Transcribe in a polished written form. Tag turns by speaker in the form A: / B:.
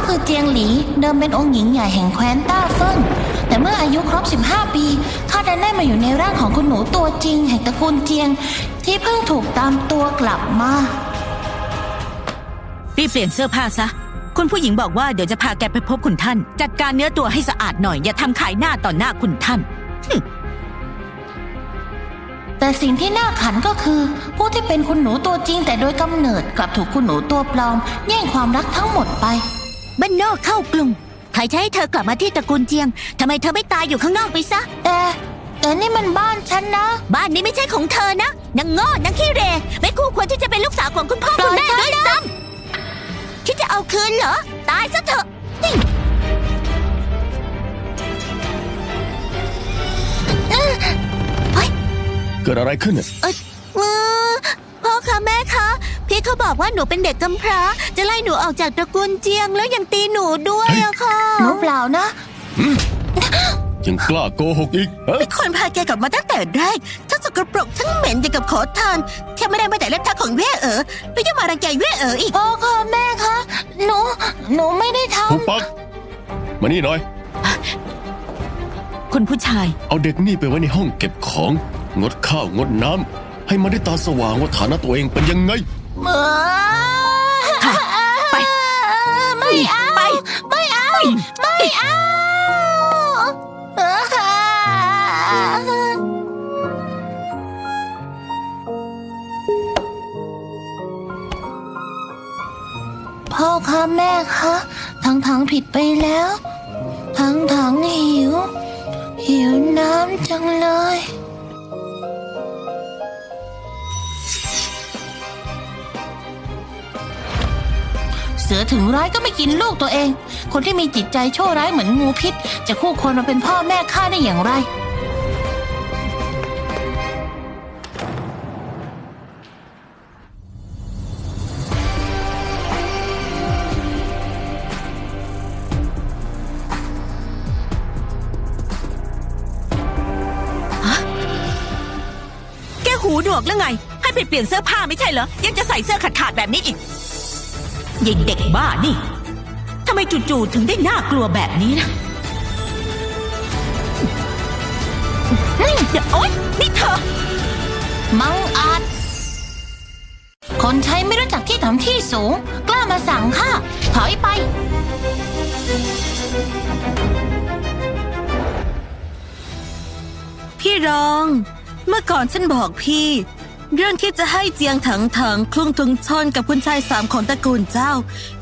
A: คือเจียงหลีเดิมเป็นองค์หญิงใหญ่แห่งแคว้นต้าเฟิ่งแต่เมื่ออายุครบ15 ปีข้าได้มาอยู่ในร่างของคุณหนูตัวจริงแห่งตระกูลเจียงที่เพิ่งถูกตามตัวกลับมา
B: รีบเปลี่ยนเสื้อผ้าซะคุณผู้หญิงบอกว่าเดี๋ยวจะพาแกไปพบคุณท่านจัดการเนื้อตัวให้สะอาดหน่อยอย่าทำขายหน้าต่อหน้าคุณท่าน
A: แต่สิ่งที่น่าขันก็คือผู้ที่เป็นคุณหนูตัวจริงแต่โดยกำเนิดกลับถูกคุณหนูตัวปลอมแย่งความรักทั้งหมดไป
C: บ้านนอกเข้ากรุงใครจะให้เธอกลับมาที่ตระกูลเจียงทำไมเธอไม่ตายอยู่ข้างนอกไปซะ
A: แต่นี่มันบ้านฉันนะ
C: บ้านนี้ไม่ใช่ของเธอนะนางโง่นางขี้เรไม่คู่ควรที่จะเป็นลูกสาวของคุณพ่อคุณแม่ด้วยซ้ำคิดจะเอาคืนเหรอตายซะเถอะ
D: เกิดอะไรขึ้น
C: พ่อคะแม่คะพี่เขาบอกว่าหนูเป็นเด็กกำพร้าจะไล่หนูออกจากตระกูลเจียงแล้วยังตีหนูด้วยอะค่ะ
A: หนูเปล่านะ
D: ยังกล้าโกหกอีก
C: เป็นคนพาแกกลับมาตั้งแต่แรกทั้งสกปรกทั้งเหม็นอย่างกับขอทานแค่ไม่ได้มาแต่เล็บเท้าของเว่เอ๋อแล้วยังมารังแกเว่เอ๋ออีก
A: พ่อค่ะแม่คะหนูไม่ได้ทำ
D: หุบปากมานี่หน่อย
B: คุณผู้ชาย
D: เอาเด็กนี่ไปไว้ในห้องเก็บของงดข้าวงดน้ำให้มันได้ตาสว่างว่าฐานะตัวเองเป็นยังไง
B: ไป
A: ไม่เอาไม่เอาไม่เอาพ่อคะแม่คะทั้งผิดไปแล้วทั้งหิวน้ำจังเลยเสือถึงร้ายก็ไม่กินลูกตัวเองคนที่มีจิตใจชั่วร้ายเหมือนงูพิษจะคู่ควรมาเป็นพ่อแม่ข้าได้อย่างไร
B: หูหนวกหรือไงให้ไปเปลี่ยนเสื้อผ้าไม่ใช่เหรอยังจะใส่เสื้อขาดแบบนี้อีกยิงเด็กบ้านี่ทำไมจู่ๆถึงได้น่ากลัวแบบนี้นะเดี๋ยวโอ๊ยนี่เธอ
A: มังอาจคนใช้ไม่รู้จักที่ต่ำที่สูงกล้ามาสั่งข้าถอยไป
C: พี่รองเมื่อก่อนฉันบอกพี่เรื่องที่จะให้เจียงถังคลุงทุงชนกับคุณชาย3ของตระกูลเจ้า